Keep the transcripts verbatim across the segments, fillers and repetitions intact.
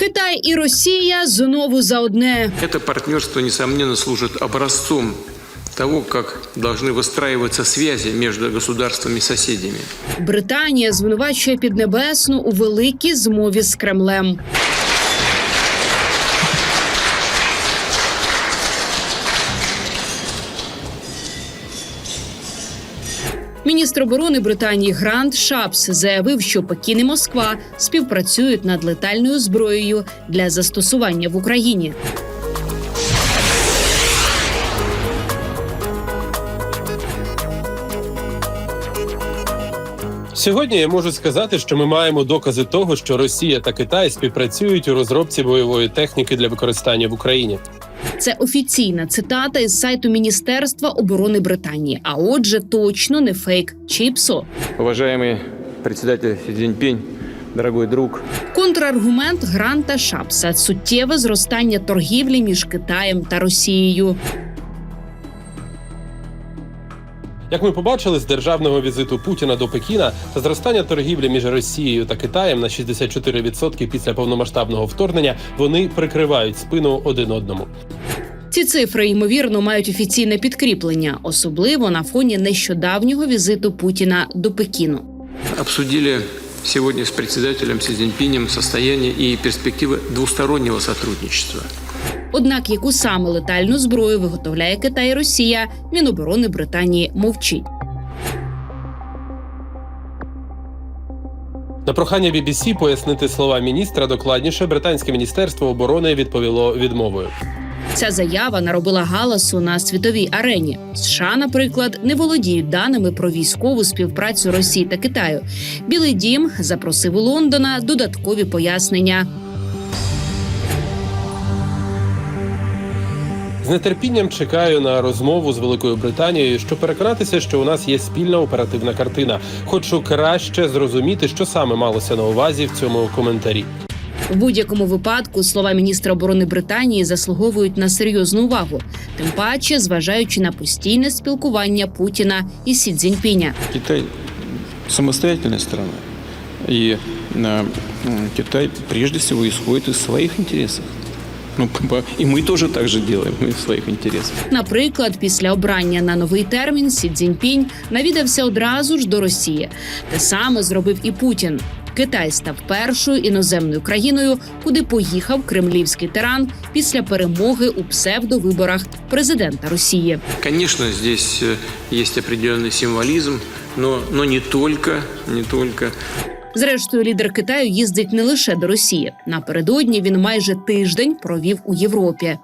Китай і Росія знову за одне. Это партнерство, несомненно, служит образцом того, как должны выстраиваться связи между государствами-соседями. Британія звинувачує Піднебесну у великій змові з Кремлем. Міністр оборони Британії Грант Шапс заявив, що Пекін і Москва співпрацюють над летальною зброєю для застосування в Україні. Сьогодні я можу сказати, що ми маємо докази того, що Росія та Китай співпрацюють у розробці бойової техніки для використання в Україні. Це офіційна цитата із сайту Міністерства оборони Британії. А отже, точно не фейк чи ПСО. Уважаемый председатель Си Цзиньпинь, дорогой друг. Контраргумент Гранта Шапса – суттєве зростання торгівлі між Китаєм та Росією. Як ми побачили з державного візиту Путіна до Пекіна, та зростання торгівлі між Росією та Китаєм на шістдесят чотири відсотки після повномасштабного вторгнення, вони прикривають спину один одному. Ці цифри, ймовірно, мають офіційне підкріплення, особливо на фоні нещодавнього візиту Путіна до Пекіну. Обсудили сегодня с председателем Си Цзиньпинем состояние и перспективы двустороннего сотрудничества. Однак, яку саме летальну зброю виготовляє Китай і Росія, Міноборони Британії мовчить. На прохання бі бі сі пояснити слова міністра докладніше, британське міністерство оборони відповіло відмовою. Ця заява наробила галасу на світовій арені. США, наприклад, не володіють даними про військову співпрацю Росії та Китаю. Білий дім запросив у Лондона додаткові пояснення. З нетерпінням чекаю на розмову з Великою Британією, щоб переконатися, що у нас є спільна оперативна картина. Хочу краще зрозуміти, що саме малося на увазі в цьому коментарі. В будь-якому випадку слова міністра оборони Британії заслуговують на серйозну увагу. Тим паче, зважаючи на постійне спілкування Путіна і Сі Цзіньпіня. Китай самостоятельная страна. И э, Китай прежде всего исходит из своих интересов. Ну, и мы тоже так же делаем, мы в своих интересах. Наприклад, після обрання на новий термін Сі Цзіньпінь навідався одразу ж до Росії. Те саме зробив і Путін. Китай став першою іноземною країною, куди поїхав кремлівський тиран після перемоги у псевдовиборах президента Росії. Конечно, здесь есть определенный символизм, но, но не только, не только. Зрештою, лідер Китаю їздить не лише до Росії. Напередодні він майже тиждень провів у Європі.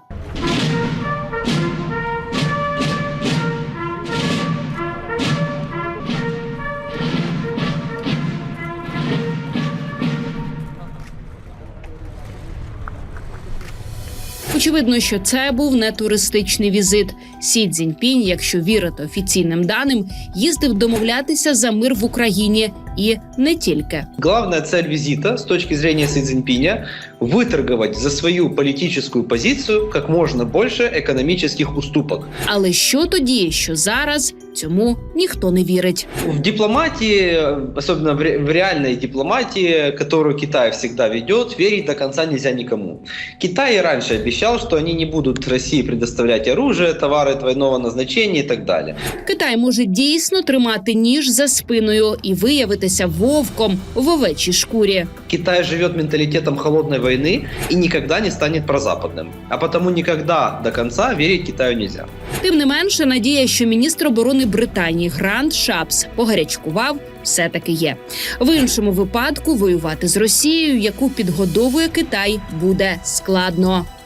Очевидно, що це був не туристичний візит. Сі Цзіньпінь, якщо вірити офіційним даним, їздив домовлятися за мир в Україні і не тільки. Главная цель визита с точки зрения Си Цзиньпиня – выторговать за свою политическую позицию как можно больше экономических уступок. Але що тоді, що зараз, цьому ніхто не вірить. В дипломатии, особенно в, ре в реальной дипломатии, которую Китай всегда ведет, верить до конца нельзя никому. Китай и раньше обещал, что они не будут России предоставлять оружие, товары двойного назначения и так далее. Китай може дійсно тримати ніж за спиною і виявитися вовком в овечій шкурі. Китай живет менталитетом холодной войны и никогда не станет прозападным. А потому никогда до конца верить Китаю нельзя. Тим не менше, надія, що міністр оборони Британії Грант Шапс погарячкував, все-таки є. В іншому випадку воювати з Росією, яку підгодовує Китай, буде складно.